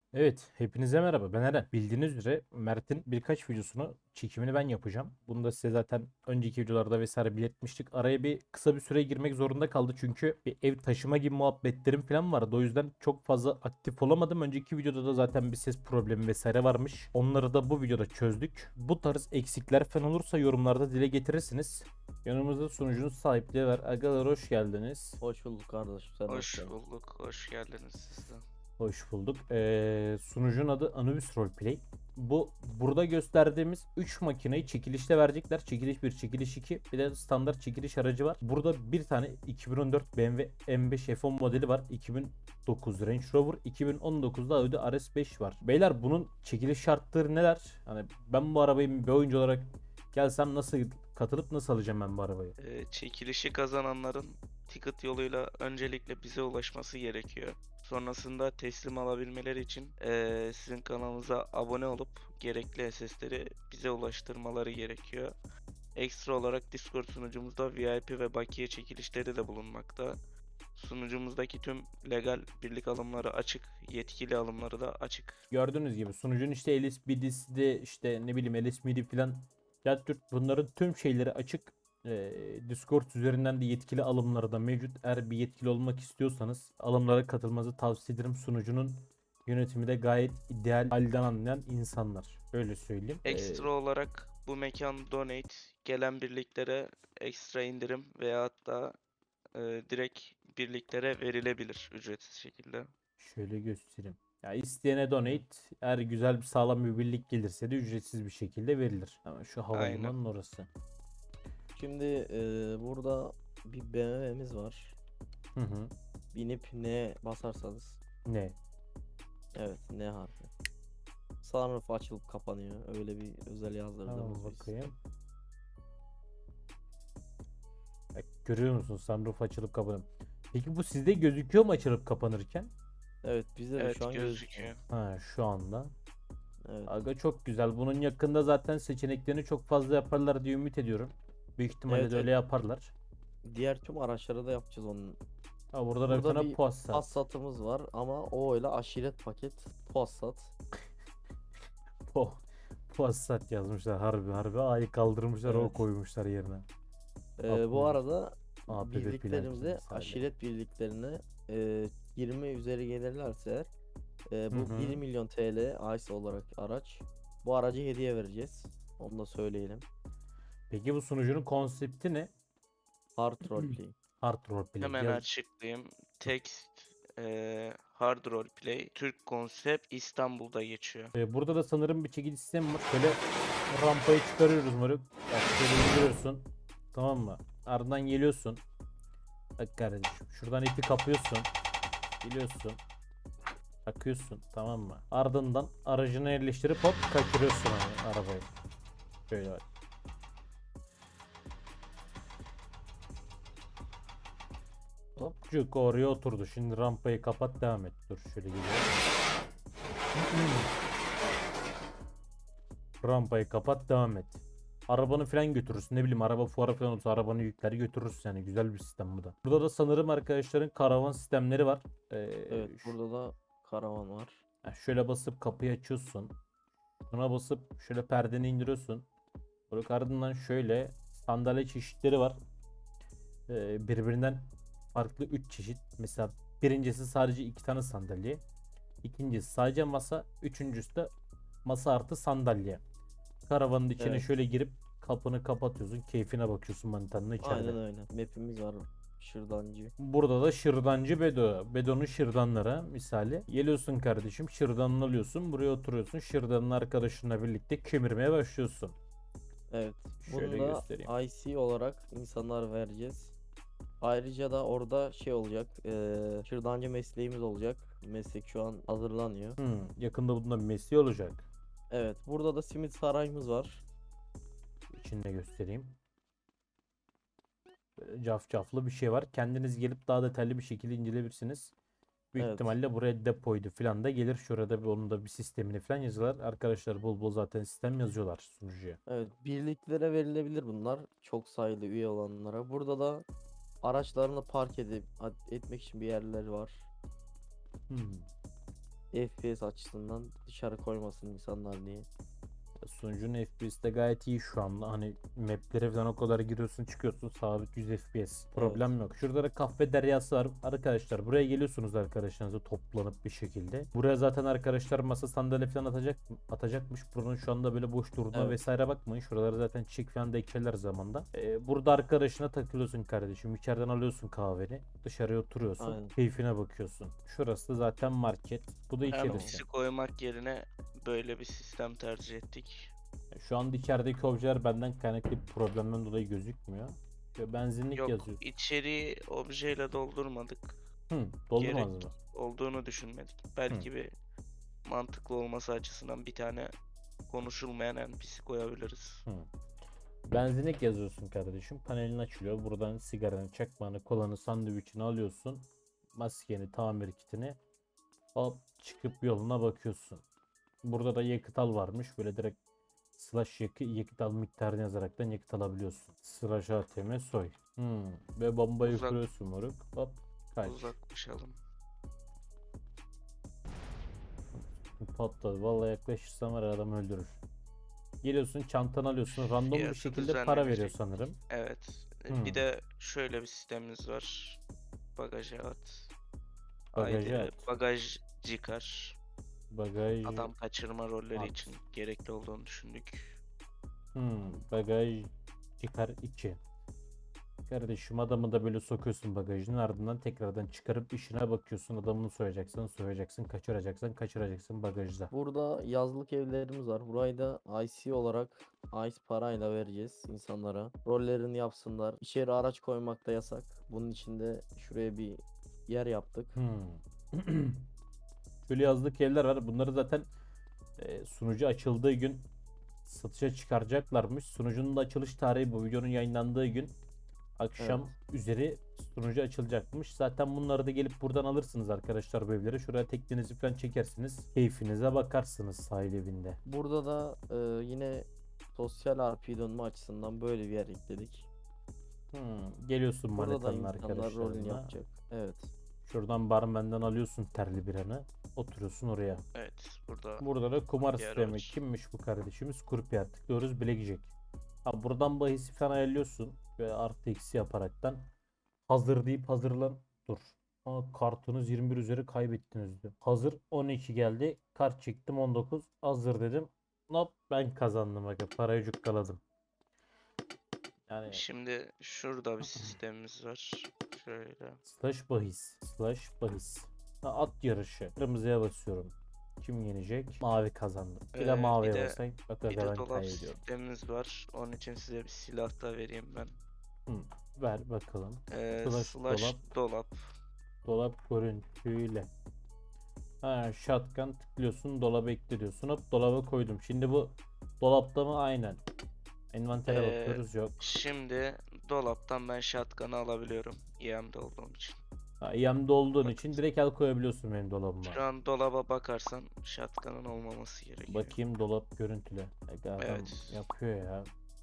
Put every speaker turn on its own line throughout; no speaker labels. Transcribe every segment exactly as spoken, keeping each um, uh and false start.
Evet, hepinize merhaba. Ben Eren. Bildiğiniz üzere Mert'in birkaç videosunu çekimini ben yapacağım. Bunu da size zaten önceki videolarda vesaire belirtmiştik. Araya bir kısa bir süre girmek zorunda kaldı çünkü bir ev taşıma gibi muhabbetlerim falan vardı. O yüzden çok fazla aktif olamadım. Önceki videoda da zaten bir ses problemi vesaire varmış. Onları da bu videoda çözdük. Bu tarz eksikler falan olursa yorumlarda dile getirirsiniz. Yanımızda sunucunun sahipleri var. Agalar hoş geldiniz.
Hoş bulduk kardeşim. Sen hoş
Hoş
geldin.
bulduk, hoş geldiniz siz de.
Hoş bulduk. Ee, sunucunun adı Anubis Roleplay. Bu burada gösterdiğimiz üç makineyi çekilişte verecekler. Çekiliş bir, çekiliş iki, bir de standart çekiliş aracı var. Burada bir tane iki bin on dört B M W M beş F on modeli var. iki bin dokuz Range Rover, iki bin on dokuzda Audi R S beş var. Beyler bunun çekiliş şartları neler? Hani ben bu arabayı bir oyuncu olarak gelsem nasıl katılıp nasıl alacağım ben bu arabayı?
Ee, çekilişi kazananların ticket yoluyla öncelikle bize ulaşması gerekiyor. Sonrasında teslim alabilmeleri için ee, sizin kanalımıza abone olup gerekli S S'leri bize ulaştırmaları gerekiyor. Ekstra olarak Discord sunucumuzda V I P ve bakiye çekilişleri de bulunmakta. Sunucumuzdaki tüm legal birlik alımları açık, yetkili alımları da açık.
Gördüğünüz gibi sunucunun işte L S B D'si de işte ne bileyim L S M D falan ya Türk bunların tüm şeyleri açık. Ee, Discord üzerinden de yetkili alımları da mevcut. Eğer bir yetkili olmak istiyorsanız alımlara katılmanızı tavsiye ederim. Sunucunun yönetimi de gayet ideal halden anlayan insanlar. Öyle söyleyeyim. Ee,
Ekstra olarak bu mekan donate gelen birliklere ekstra indirim veya hatta e, direkt birliklere verilebilir ücretsiz şekilde.
şöyle göstereyim. Ya isteyene donate, eğer güzel bir sağlam bir birlik gelirse de ücretsiz bir şekilde verilir. Ama şu
Aynen.
havalimanının orası.
Şimdi e, burada bir B M W'miz var.
Hı hı.
Binip ne basarsanız.
Ne?
Evet, ne harfi. Sunroof açılıp kapanıyor. Öyle bir özel yazdırdığımız
Tamam
biz.
bakayım. Bak, görüyor musun sunroof açılıp kapanıyor. Peki bu sizde gözüküyor mu açılıp kapanırken?
Evet, bizde de şu
Evet
an gözüküyor.
gözüküyor.
Ha şu anda.
Evet.
Aga çok güzel. Bunun yakında zaten seçeneklerini çok fazla yaparlar diye ümit ediyorum. Büyük ihtimalle
Evet,
de
evet.
öyle yaparlar.
Diğer tüm araçlara da yapacağız onun.
Ha burada da bir
Burada
tane
bir
Passat.
Passat'ımız var ama o öyle aşiret paket Passat.
Po Passat yazmışlar harbi harbi. A'yı kaldırmışlar o
Evet.
koymuşlar yerine.
E, bu
Upgrade.
arada
A P B plug-in
birliklerimize,
misali.
aşiret birliklerine e, yirmi üzeri gelirlerse e,
Hı
bu bir
hı.
milyon T L ICE olarak araç. Bu aracı hediye vereceğiz. Onu da söyleyelim.
Peki bu sunucunun konsepti ne?
Hard roleplay.
Hard roleplay.
Hemen
Yaz.
açıklayayım. Text e, Hard Roleplay Türk konsept İstanbul'da geçiyor.
Ee, burada da sanırım bir çekici sistemi var. Şöyle rampayı çıkarıyoruz moruk. Bak şöyle indiriyorsun. Tamam mı? Ardından geliyorsun. Bak kardeşim. Şuradan ipi kapıyorsun. Geliyorsun. Takıyorsun. Tamam mı? Ardından aracına yerleştirip hop kaçırıyorsun hani arabayı. Şöyle bak. Hopcuk oraya oturdu. Şimdi rampayı kapat devam et. Dur şöyle geliyor. Rampayı kapat devam et. Arabanı falan götürürsün. Ne bileyim araba fuara falan olsa arabanı yükler götürürsün yani. Güzel bir sistem bu da. Burada da sanırım arkadaşların karavan sistemleri var. Ee,
Evet,
ş-
burada da karavan var.
ha, şöyle basıp kapıyı açıyorsun. Buna basıp şöyle perdeni indiriyorsun. Böyle ardından şöyle sandalye çeşitleri var. Ee, birbirinden farklı üç çeşit. Mesela birincisi sadece iki tane sandalye. İkincisi sadece masa. Üçüncüsü de masa artı sandalye. Karavanın içine
Evet,
şöyle girip kapını kapatıyorsun. Keyfine bakıyorsun manitanın içeride.
aynen öyle. Map'imiz var. Şırdancı.
Burada da şırdancı Bedo. Bedo'nun şırdanları misali. Geliyorsun kardeşim şırdanını alıyorsun. Buraya oturuyorsun. Şırdanın arkadaşınla birlikte kemirmeye başlıyorsun.
Evet.
Şöyle
Bunu da
göstereyim.
I C olarak insanlar vereceğiz. Ayrıca da orada şey olacak. eee şırdancı mesleğimiz olacak. Meslek şu an hazırlanıyor.
Hmm, yakında bundan bir mesleği olacak.
Evet. Burada da simit sarayımız var.
İçinde göstereyim. Böyle cafcaflı bir şey var. Kendiniz gelip daha detaylı bir şekilde inceleyebilirsiniz. Büyük
Evet.
ihtimalle buraya depoydu falan da gelir. Şurada bir onun da bir sistemini falan yazıyorlar. Arkadaşlar bol bol zaten sistem yazıyorlar sunucuya.
Evet. Birliklere verilebilir bunlar. Çok sayılı üye olanlara. Burada da araçlarını park edip etmek için bir yerler var.
Hmm.
F P S açısından dışarı koymasın insanlar diye.
Sunucunun F P S'te gayet iyi şu anda. Hani maplere falan o kadar giriyorsun çıkıyorsun sabit yüz F P S. Problem yok. Şurada da kahve deryası var. Arkadaşlar buraya geliyorsunuz arkadaşlarınızla toplanıp bir şekilde. Buraya zaten arkadaşlar masa sandalye falan atacak atacakmış. Buranın şu anda böyle boş durduğuna
Evet.
vesaire bakmayın. Şuraları zaten çiçek falan da ekerler zamanda. Ee, burada arkadaşına takılıyorsun kardeşim. İçeriden alıyorsun kahveni. Dışarıya oturuyorsun.
Aynen.
Keyfine bakıyorsun. Şurası da zaten market. Bu da
Yani
içerisi.
pisi koymak yerine böyle bir sistem tercih ettik.
Şu anda içerideki objeler benden kaynaklı bir problemden dolayı gözükmüyor. Ve benzinlik
Yok,
yazıyor.
içeriği objeyle doldurmadık.
Hı, doldurmaz
Gerek
mı?
olduğunu düşünmedik. Belki bir mantıklı olması açısından bir tane konuşulmayan N P C koyabiliriz.
Hı. Benzinlik yazıyorsun kardeşim. Panelin açılıyor. Buradan sigaranı, çakmanı, kolanı, sandviçini alıyorsun. Maskeni, tamir kitini. Hop çıkıp yoluna bakıyorsun. Burada da yakıt al varmış. Böyle direkt slash yakı, yakıt al miktarını yazaraktan yakıt alabiliyorsun. Slash A T M soy. Hmm. Ve bombayı
Uzak-
kuruyorsun moruk. Hop kaç.
Uzaklaşalım.
Patladı. Vallahi yaklaşırsan var ya adam öldürür. Geliyorsun çantanı alıyorsun. Random bir
Fiyatı
şekilde para veriyor
düzenlenecek.
sanırım.
Evet.
Hmm.
Bir de şöyle bir sistemimiz var. Bagaja at.
Bagaja
Haydi
at.
bagaj çıkar.
Bagaj.
Adam kaçırma rolleri
at.
için gerekli olduğunu düşündük.
Hmm, bagaj çıkar iki. Kardeşim adamı da böyle sokuyorsun bagajın ardından tekrardan çıkarıp işine bakıyorsun. Adamını soyacaksın, soyacaksın, kaçıracaksın, kaçıracaksın bagajda.
Burada yazlık evlerimiz var. Burayı da I C olarak ice parayla vereceğiz insanlara. Rollerini yapsınlar. İçeri araç koymak da yasak. Bunun için de şuraya bir yer yaptık.
Hmm. Şöyle yazlık evler var. Bunları zaten e, sunucu açıldığı gün satışa çıkaracaklarmış. Sunucunun da açılış tarihi bu videonun yayınlandığı gün akşam üzeri sunucu açılacakmış. Zaten bunları da gelip buradan alırsınız arkadaşlar bu evleri. Şuraya teknenizi falan çekersiniz. Keyfinize bakarsınız sahil evinde.
Burada da e, yine sosyal R P dönme açısından böyle bir yer ekledik.
Hmm, Geliyorsun
Burada da
manetanın
insanlar rolünü
arkadaşlarına.
yapacak. Evet.
Şuradan barmenden alıyorsun terli biranı. Oturuyorsun oraya.
Evet. Burada
Burada da kumar
Yer
sistemi.
var.
Kimmiş bu kardeşimiz? Kurpiyer. Tıklıyoruz Blackjack. Ha, buradan bahisi falan ayarlıyorsun. Ve artı eksi yaparaktan. Hazır deyip hazırlan. Dur. Aa, kartınız yirmi bir üzeri kaybettiniz diyor. Hazır on iki geldi. Kart çektim on dokuz. Hazır dedim. Hop ben kazandım. Aga. Parayı cukkaladım. Yani
şimdi şurada bir sistemimiz var. Şöyle.
slash bahis. Slash bahis. Ha, at yarışı. Kırmızıya basıyorum. Kim yenecek? Mavi kazandı. Bir de
Ee,
maviye
bir de-
basayım. Bak
Bir de
aga ben
dolap
kaybediyorum.
sistemimiz var. Onun için size bir silah da vereyim ben.
Hı, ver bakalım.
Ee,
Slash
slash
dolap.
dolap.
Dolap görüntüyle. Ha, shotgun tıklıyorsun. Dolaba ekle diyorsun. Hop dolaba koydum. Şimdi bu dolapta mı? Aynen. Envantere
Ee,
bakıyoruz. Yok.
Şimdi dolaptan ben shotgun'ı alabiliyorum. E M'de olduğum için.
Ha, E M'de olduğun
Bak-
için direkt el koyabiliyorsun benim dolabıma.
Şu an dolaba bakarsan shotgun'ın olmaması gerekiyor.
Bakayım dolap görüntüle. Aga adam
Evet.
yapıyor ya.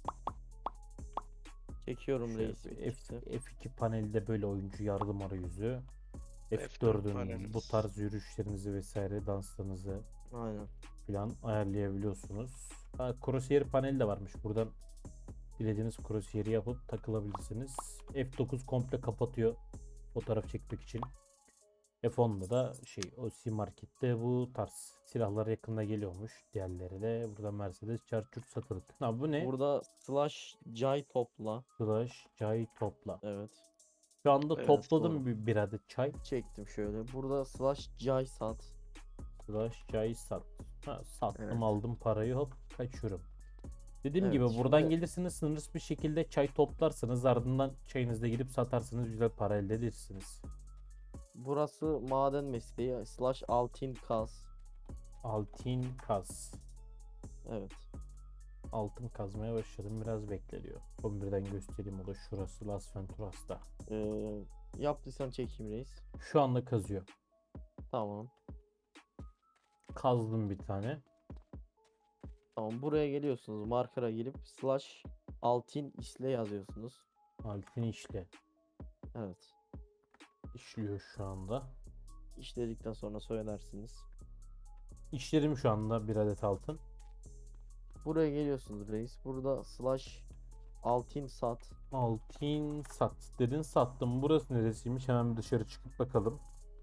Çekiyorum
Şöyle
reis.
bir
bitmişse.
F, F iki panelde böyle oyuncu yardım arayüzü.
F dört
F dördün bu
panelimiz.
tarz yürüyüşlerinizi vesaire danslarınızı
Aynen.
falan ayarlayabiliyorsunuz. Ha, crosshair paneli de varmış. Buradan dilediğiniz crosshair'i yapıp takılabilirsiniz. F dokuz komple kapatıyor fotoğraf çekmek için. F onda da şey o C Market'te bu tarz silahlar yakında geliyormuş. Diğerleri de burada Mercedes Charger satılık. Ha bu ne?
Burada slash cay topla.
Slash çay topla.
Evet.
Şu anda
Evet,
topladım
doğru.
bir, bir adet çay.
Çektim şöyle. Burada slash cay sat.
Slash çay sat. Ha, sattım
Evet.
aldım parayı hop kaçıyorum. Dediğim
Evet,
gibi buradan
şimdi-
gelirsiniz sınırsız bir şekilde çay toplarsınız ardından çayınızda gidip satarsınız güzel para elde edersiniz.
Burası maden mesleği. Slash altın kaz.
Altın kaz.
Evet.
Altın kazmaya başladım biraz bekle diyor. on birden göstereyim o da şurası Las Venturas'ta.
Ee, yaptıysan çekeyim reis.
Şu anda kazıyor.
Tamam.
Kazdım bir tane.
Tamam buraya geliyorsunuz. Marker'a girip slash altın isle yazıyorsunuz.
Altın işle.
Evet.
İşliyor şu anda.
İşledikten sonra söylersiniz.
İşlerim şu anda bir adet altın.
Buraya geliyorsunuz reis. Burada slash altın sat.
Altın sat dedin, sattım. Burası neresiymiş? Hemen bir dışarı çıkıp bakalım.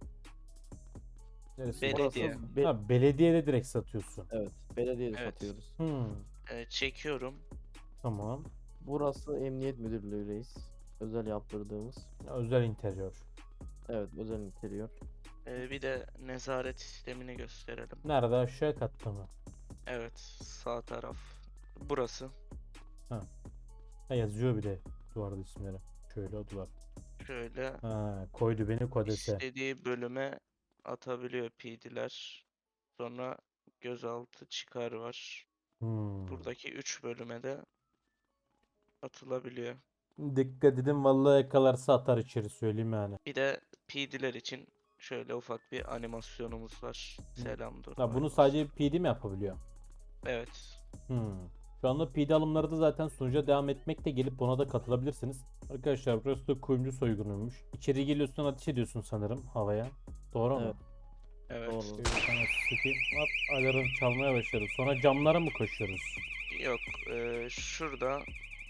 Neresi?
Belediye.
Burası be-
Ha, belediyede direkt satıyorsun.
evet, belediyede
Evet.
satıyoruz.
Hmm,
Ee, çekiyorum.
tamam.
Burası Emniyet Müdürlüğü reis. Özel yaptırdığımız.
Özel interior.
Evet, özel interior.
Ee, bir de nezaret sistemini gösterelim.
Nerede? Aşağı katta mı?
Evet, sağ taraf. Burası.
Ha, yazıyor bir de duvarda isimleri. Şöyle o duvar.
Şöyle
Ha, koydu beni kodese.
istediği bölüme atabiliyor P D'ler. Sonra gözaltı çıkar var.
Hmm.
Buradaki üç bölüme de atılabiliyor.
Dikkat edin, vallahi yakalarsa atar içeri, söyleyeyim yani.
Bir de P D'ler için şöyle ufak bir animasyonumuz var. Selam dur.
Ha, bunu sadece P D mi yapabiliyor?
Evet.
Hmm. Şu anda P D alımları da zaten sunucuya devam etmekte, gelip buna da katılabilirsiniz. Arkadaşlar burası da kuyumcu soygunuymuş. İçeri geliyorsun, ateş ediyorsun sanırım havaya. Doğru mu?
Evet.
Evet.
Doğru.
Şöyle sana sıkayım. Hop, alarm çalmaya başladı. Sonra camlara mı koşuyoruz?
Yok. eee, şurada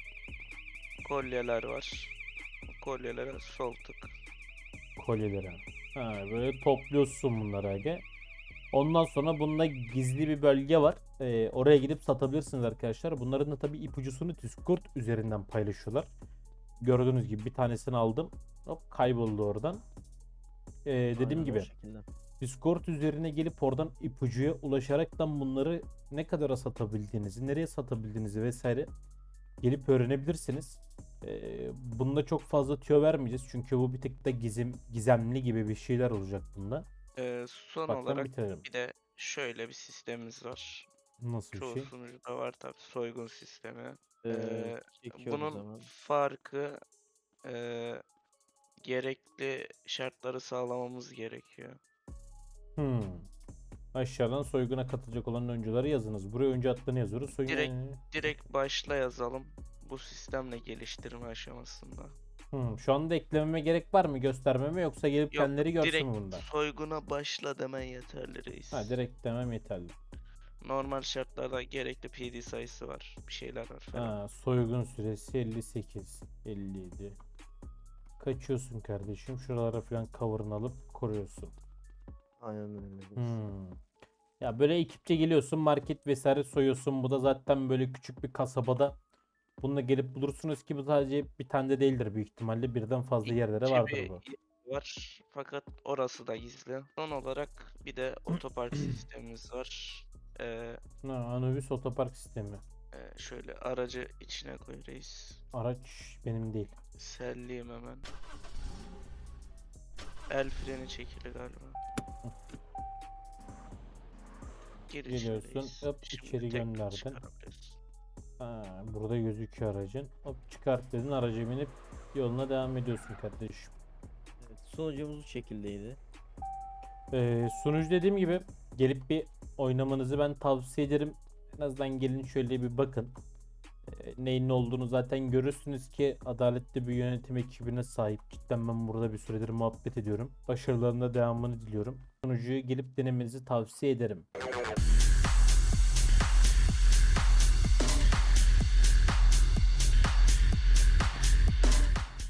kolyeler var. Kolyelere sol tık.
Kolyeleri. Ha, böyle topluyorsun bunları aga. Ondan sonra bunda gizli bir bölge var. Ee, oraya gidip satabilirsiniz arkadaşlar. Bunların da tabii ipucusunu Discord üzerinden paylaşıyorlar. Gördüğünüz gibi bir tanesini aldım. Hop, kayboldu oradan. Ee, dediğim
Aynen o
gibi
şekilde.
Discord üzerine gelip oradan ipucuya ulaşaraktan bunları ne kadara satabildiğinizi, nereye satabildiğinizi vesaire gelip öğrenebilirsiniz. Ee, bunda çok fazla tüyo vermeyeceğiz çünkü bu bir tık da gizem, gizemli gibi bir şeyler olacak bunda.
Eee, son
Baktan
olarak
bitirelim.
bir de şöyle bir sistemimiz var.
Nasıl bir
Çoğu
şey?
sunucuda var tabii soygun sistemi.
Ee,
Eee,
çekiyoruz
bunun
hemen.
farkı eee, gerekli şartları sağlamamız gerekiyor.
Hmm. Aşağıdan soyguna katılacak olan oyuncuları yazınız. Buraya oyuncu adlarını yazıyoruz. Soygun...
Direkt- Direkt başla yazalım. Bu sistemle geliştirme aşamasında.
Hmm. Şu anda eklememe gerek var mı, göstermeme, yoksa gelip
Yok,
kendileri görsün
direkt
mü bunda?
soyguna başla demen yeterli reis.
Ha, direkt demem yeterli.
Normal şartlarda gerekli P D sayısı var. Bir şeyler var falan.
Ha, soygun süresi elli sekiz, elli yedi. Kaçıyorsun kardeşim. Şuralara falan cover'ını alıp koruyorsun.
Aynen öyle reis.
Hmm. Ya böyle ekipçe geliyorsun, market vesaire soyuyorsun. Bu da zaten böyle küçük bir kasabada. Bununla gelip bulursunuz ki bu sadece bir tane de değildir büyük ihtimalle. Birden fazla yerlere
İkinci
vardır
bir
bu.
yer var fakat orası da gizli. Son olarak bir de otopark sistemimiz var. Ee,
Ha, Anubis otopark sistemi.
e, şöyle aracı içine koy reis.
Araç benim değil.
Selliyim hemen. El freni çekili galiba. Gir içine
Geliyorsun,
reis.
hop,
Şimdi
içeri
tekrar
gönderdin.
çıkarabiliriz.
Ha, burada gözüküyor aracın. Hop, çıkart dedin, araca binip yoluna devam ediyorsun kardeşim.
Evet, sunucumuz bu şekildeydi.
Ee, sunucu dediğim gibi gelip bir oynamanızı ben tavsiye ederim. En azından gelin şöyle bir bakın. Ee, neyin ne olduğunu zaten görürsünüz ki adaletli bir yönetim ekibine sahip. Cidden ben burada bir süredir muhabbet ediyorum. Başarılarında devamını diliyorum. Sunucuyu gelip denemenizi tavsiye ederim.